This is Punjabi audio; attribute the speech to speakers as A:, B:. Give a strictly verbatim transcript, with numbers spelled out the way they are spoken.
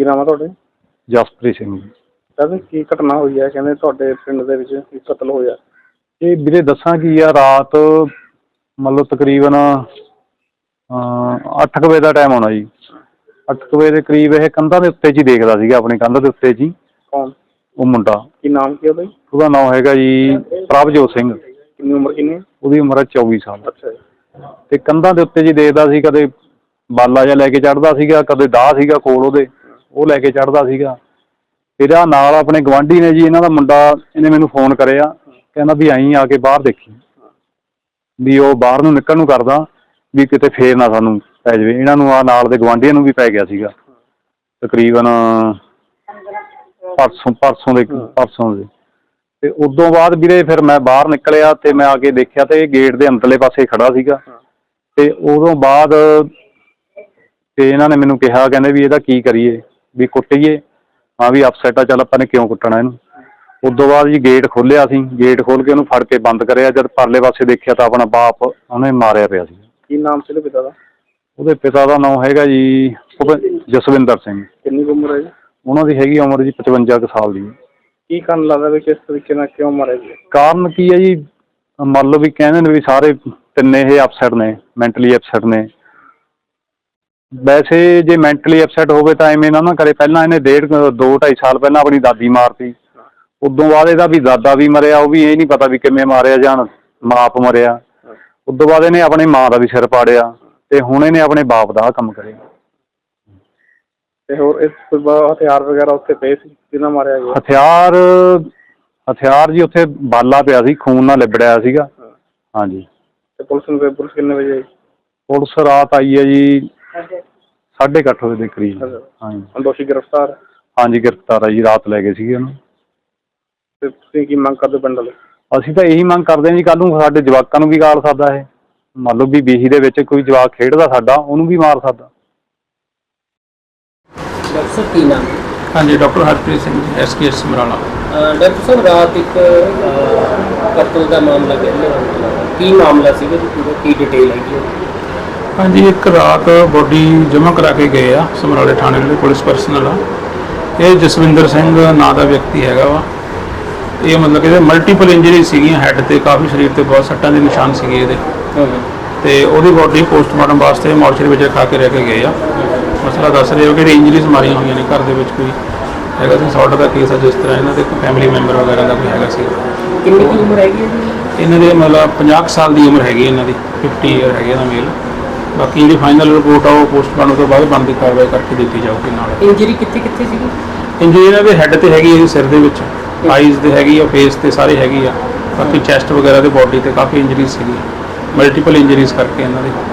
A: ਕੀ ਨਾਮ ਹੈ ਤੁਹਾਡੇ?
B: ਜਸਪ੍ਰੀਤ ਸਿੰਘ ਜੀ।
A: ਸਰ ਕੀ ਘਟਨਾ ਹੋਈ ਹੈ? ਕਹਿੰਦੇ ਤੁਹਾਡੇ ਪਿੰਡ ਦੇ ਵਿੱਚ ਕਤਲ ਹੋਇਆ।
B: ਇਹ ਵੀਰੇ ਦੱਸਾਂ ਕੀ ਆ, ਰਾਤ ਮਤਲਬ ਤਕਰੀਬਨ ਅੱਠ ਕੁ ਵਜੇ ਦਾ ਟਾਈਮ ਹੋਣਾ ਜੀ। ਅੱਠ ਕੁ ਵਜੇ ਦੇ ਕਰੀਬ ਇਹ ਕੰਧਾਂ ਦੇ ਉੱਤੇ 'ਚ ਹੀ ਦੇਖਦਾ ਸੀਗਾ, ਆਪਣੀ ਕੰਧ ਦੇ ਉੱਤੇ 'ਚ ਹੀ।
A: ਕੌਣ?
B: ਉਹ ਮੁੰਡਾ।
A: ਕੀ ਨਾਮ ਕੀ ਉਹਦਾ?
B: ਉਹਦਾ ਨਾਮ ਹੈਗਾ ਜੀ ਪ੍ਰਭਜੋਤ ਸਿੰਘ।
A: ਕਿੰਨੀ ਉਮਰ ਕਿੰਨੀ?
B: ਉਹਦੀ ਉਮਰ ਹੈ ਚੌਵੀ ਸਾਲ।
A: ਅੱਛਾ ਜੀ।
B: ਤੇ ਕੰਧਾਂ ਦੇ ਉੱਤੇ ਜੀ ਦੇਖਦਾ ਸੀ, ਕਦੇ ਬਾਲਾ ਜਿਹਾ ਲੈ ਕੇ ਚੜ੍ਹਦਾ ਸੀਗਾ, ਕਦੇ ਦਾਹ ਸੀਗਾ ਕੋਲ ਉਹਦੇ, ਉਹ ਲੈ ਕੇ ਚੜ੍ਹਦਾ ਸੀਗਾ। ਫਿਰ ਆਹ ਨਾਲ ਆਪਣੇ ਗੁਆਂਢੀ ਨੇ ਜੀ, ਇਹਨਾਂ ਦਾ ਮੁੰਡਾ, ਇਹਨੇ ਮੈਨੂੰ ਫੋਨ ਕਰਿਆ, ਕਹਿੰਦਾ ਵੀ ਆਈਂ ਆ ਕੇ ਬਾਹਰ ਦੇਖੀ ਵੀ ਉਹ ਬਾਹਰ ਨੂੰ ਨਿਕਲਣ ਨੂੰ ਕਰਦਾ ਵੀ ਕਿਤੇ ਫੇਰ ਨਾ ਸਾਨੂੰ ਪੈ ਜਾਵੇ। ਇਹਨਾਂ ਨੂੰ ਆਹ ਨਾਲ ਦੇ ਗੁਆਂਢੀਆਂ ਨੂੰ ਵੀ ਪੈ ਗਿਆ ਸੀਗਾ ਤਕਰੀਬਨ ਪਰਸੋਂ ਪਰਸੋਂ ਦੇ ਪਰਸੋਂ ਦੇ ਤੇ ਉਦੋਂ ਬਾਅਦ ਵੀਰੇ ਫਿਰ ਮੈਂ ਬਾਹਰ ਨਿਕਲਿਆ ਤੇ ਮੈਂ ਆ ਕੇ ਦੇਖਿਆ ਤੇ ਇਹ ਗੇਟ ਦੇ ਅੰਦਰਲੇ ਪਾਸੇ ਖੜਾ ਸੀਗਾ। ਤੇ ਉਦੋਂ ਬਾਅਦ ਤੇ ਇਹਨਾਂ ਨੇ ਮੈਨੂੰ ਕਿਹਾ, ਕਹਿੰਦੇ ਵੀ ਇਹਦਾ ਕੀ ਕਰੀਏ, ਵੀ ਕੁੱਟੀਏ? ਹਾਂ ਵੀ ਅਪਸੈਟ ਆ, ਚੱਲ ਆਪਾਂ ਨੇ ਕਿਉਂ ਕੁੱਟਣਾ ਇਹਨੂੰ। ਉਦੋਂ ਬਾਅਦ ਜੀ ਗੇਟ ਖੋਲ੍ਹਿਆ ਸੀ, ਗੇਟ ਖੋਲ੍ਹ ਕੇ ਉਹਨੂੰ ਫੜ ਕੇ ਬੰਦ ਕਰਿਆ। ਜਦ ਪਰਲੇ ਪਾਸੇ ਦੇਖਿਆ ਤਾਂ ਆਪਣਾ ਬਾਪ ਉਹਨੇ ਮਾਰਿਆ ਪਿਆ ਸੀ।
A: ਕੀ ਨਾਮ ਸੀ ਉਹਦੇ ਪਿਤਾ ਦਾ?
B: ਉਹਦੇ ਪਿਤਾ ਦਾ ਨਾਮ ਹੈਗਾ ਜੀ ਜਸਵਿੰਦਰ ਸਿੰਘ।
A: ਕਿੰਨੀ ਉਮਰ ਹੈ ਜੀ
B: ਉਹਨਾਂ ਦੀ? ਹੈਗੀ ਉਮਰ ਜੀ ਪਚਵੰਜਾ ਕੁ ਸਾਲ ਦੀ।
A: ਕੀ ਕਾਰਨ ਲੱਗਦਾ ਵੀ ਕਿਸ ਤਰੀਕੇ ਨਾਲ ਕਿਉਂ ਮਾਰਿਆ ਜੀ?
B: ਕਾਰਨ ਕੀ ਹੈ ਜੀ, ਮੰਨ ਲਓ ਵੀ ਕਹਿੰਦੇ ਨੇ ਵੀ ਸਾਰੇ ਤਿੰਨੇ ਇਹ ਅਪਸੈਟ ਨੇ, ਮੈਂਟਲੀ ਅਪਸੈਟ ਨੇ। ਵੈਸੇ ਜੇ ਮੈਂਟਲੀ ਅਪਸੈਟ ਹੋਵੇ ਤਾਂ ਐਵੇਂ ਨਾ ਨਾ ਕਰੇ। ਪਹਿਲਾਂ ਇਹਨੇ ਡੇਢ ਦੋ ਢਾਈ ਸਾਲ ਪਹਿਲਾਂ ਆਪਣੀ ਦਾਦੀ ਮਾਰਤੀ। ਉਦੋਂ ਬਾਅਦ ਇਹਦਾ ਵੀ ਦਾਦਾ ਵੀ ਮਰਿਆ, ਉਹ ਵੀ ਇਹ ਨਹੀਂ ਪਤਾ ਵੀ ਕਿਵੇਂ ਮਾਰਿਆ ਜਾਂ ਮਾਪ ਮਰਿਆ। ਉਦੋਂ ਬਾਅਦ ਇਹਨੇ ਆਪਣੀ ਮਾਂ ਦਾ ਵੀ ਸਿਰ ਪਾੜਿਆ ਤੇ ਹੁਣ ਇਹਨੇ ਆਪਣੇ ਬਾਪ ਦਾ ਕੰਮ ਕਰਿਆ।
A: ਤੇ ਹੋਰ ਇਸ ਤੋਂ ਬਾਅਦ ਹਥਿਆਰ ਵਗੈਰਾ ਉੱਥੇ ਪਏ ਸੀ ਕਿਹਨਾਂ ਮਾਰਿਆ ਗਿਆ?
B: ਹਥਿਆਰ ਹਥਿਆਰ ਜੀ ਉੱਥੇ ਬਾਲਾ ਪਿਆ ਸੀ, ਖੂਨ ਨਾਲ ਲਿਬੜਿਆ ਸੀਗਾ। ਹਾਂਜੀ। ਤੇ
A: ਪੁਲਿਸ ਨੂੰ ਪੁਲਿਸ ਕਿੰਨੇ ਵਜੇ ਆਈ?
B: ਪੁਲਿਸ ਰਾਤ ਆਈ ਹੈ ਜੀ ਸਾਢੇ ਕੁ ਅੱਠ ਵਜੇ ਦੇ ਕਰੀਬ। ਹਾਂਜੀ।
A: ਦੋਸ਼ੀ ਗ੍ਰਿਫਤਾਰ?
B: ਹਾਂਜੀ ਗ੍ਰਿਫਤਾਰ ਹੈ ਜੀ, ਰਾਤ ਲੈ ਗਏ ਸੀਗੇ ਉਹਨੂੰ।
A: ਤੇ ਤੁਸੀਂ ਕੀ ਮੰਗ ਕਰਦੇ ਪਿੰਡ ਵਾਲੇ?
B: ਅਸੀਂ ਤਾਂ ਇਹੀ ਮੰਗ ਕਰਦੇ ਹਾਂ ਜੀ, ਕੱਲ੍ਹ ਨੂੰ ਸਾਡੇ ਜਵਾਕਾਂ ਨੂੰ ਵੀ ਗਾਲ ਸਕਦਾ ਇਹ। ਮੰਨ ਲਓ ਵੀ ਬੀਹੀ ਦੇ ਵਿੱਚ ਕੋਈ ਜਵਾਕ ਖੇਡਦਾ ਸਾਡਾ, ਉਹਨੂੰ ਵੀ ਮਾਰ ਸਕਦਾ।
C: ਡਾਕਟਰ ਸਾਹਿਬ ਕੀ ਨਾਮ?
D: ਹਾਂਜੀ, doctor Harpreet Singh ji, S K S Samrala.
C: Doctor ਸਾਹਿਬ ਰਾਤ ਇੱਕ ਕਤਲ ਦਾ ਮਾਮਲਾ ਕਹਿੰਦੇ, ਕੀ ਮਾਮਲਾ ਸੀਗਾ ਜੀ ਪੂਰਾ, ਕੀ ਡਿਟੇਲ ਹੈਗੀ?
D: ਹਾਂਜੀ, ਇੱਕ ਰਾਤ ਬੋਡੀ ਜਮ੍ਹਾਂ ਕਰਾ ਕੇ ਗਏ ਆ ਸਮਰਾਲੇ ਥਾਣੇ ਦੇ ਪੁਲਿਸ ਪਰਸਨਲ ਆ। ਇਹ ਜਸਵਿੰਦਰ ਸਿੰਘ ਨਾਂ ਦਾ ਵਿਅਕਤੀ ਹੈਗਾ ਵਾ। ਇਹ ਮਤਲਬ ਕਿ ਇਹਦੇ ਮਲਟੀਪਲ ਇੰਜਰੀ ਸੀਗੀਆਂ, ਹੈੱਡ 'ਤੇ ਕਾਫੀ, ਸਰੀਰ 'ਤੇ ਬਹੁਤ ਸੱਟਾਂ ਦੇ ਨਿਸ਼ਾਨ ਸੀਗੇ ਇਹਦੇ। ਅਤੇ ਉਹਦੀ ਬੋਡੀ ਪੋਸਟਮਾਰਟਮ ਵਾਸਤੇ ਮੋਰਚਰੀ ਵਿੱਚ ਰਖਾ ਕੇ ਰਹਿ ਕੇ ਗਏ ਆ। ਮਸਲਾ ਦੱਸ ਰਹੇ ਹੋ ਕਿ ਇਹਦੀ ਇੰਜਰੀਜ਼ ਮਾਰੀਆਂ ਹੋਈਆਂ ਨੇ, ਘਰ ਦੇ ਵਿੱਚ ਕੋਈ ਹੈਗਾ ਸੀ ਸੌਟ ਦਾ ਕੇਸ ਆ, ਜਿਸ ਤਰ੍ਹਾਂ ਇਹਨਾਂ ਦੇ ਕੋਈ ਫੈਮਿਲੀ ਮੈਂਬਰ ਵਗੈਰਾ ਦਾ ਕੋਈ ਹੈਗਾ ਸੀ।
C: ਕਿੰਨੀ ਕੁ ਉਮਰ ਹੈਗੀ ਹੈ ਜੀ
D: ਇਹਨਾਂ ਦੇ? ਮਤਲਬ ਪੰਜਾਹ ਸਾਲ ਦੀ ਉਮਰ ਹੈਗੀ ਇਹਨਾਂ ਦੀ, ਫਿਫਟੀ ਈਅਰ ਹੈਗੇ ਇਹਦਾ ਮੇਲ। ਬਾਕੀ ਜਿਹੜੀ ਫਾਈਨਲ ਰਿਪੋਰਟ ਆ ਉਹ ਪੋਸਟਮਾਰਟਮ ਤੋਂ ਬਾਅਦ ਬਣਦੀ ਕਾਰਵਾਈ ਕਰਕੇ ਦਿੱਤੀ ਜਾਊਗੀ। ਨਾਲ
C: ਇੰਜਰੀ ਕਿੱਥੇ ਕਿੱਥੇ ਸੀਗੀ?
D: ਇੰਜਰੀ ਇਹਨਾਂ ਦੇ ਹੈੱਡ 'ਤੇ ਹੈਗੀ ਹੈ, ਸਿਰ ਦੇ ਵਿੱਚ, ਆਈਜ਼ 'ਤੇ ਹੈਗੀ ਆ, ਫੇਸ 'ਤੇ ਸਾਰੇ ਹੈਗੀ ਆ। ਬਾਕੀ ਚੈਸਟ ਵਗੈਰਾ ਦੇ ਬੋਡੀ 'ਤੇ ਕਾਫੀ ਇੰਜਰੀਜ਼ ਸੀਗੀ, ਮਲਟੀਪਲ ਇੰਜਰੀਜ਼ ਕਰਕੇ ਇਹਨਾਂ ਦੇ।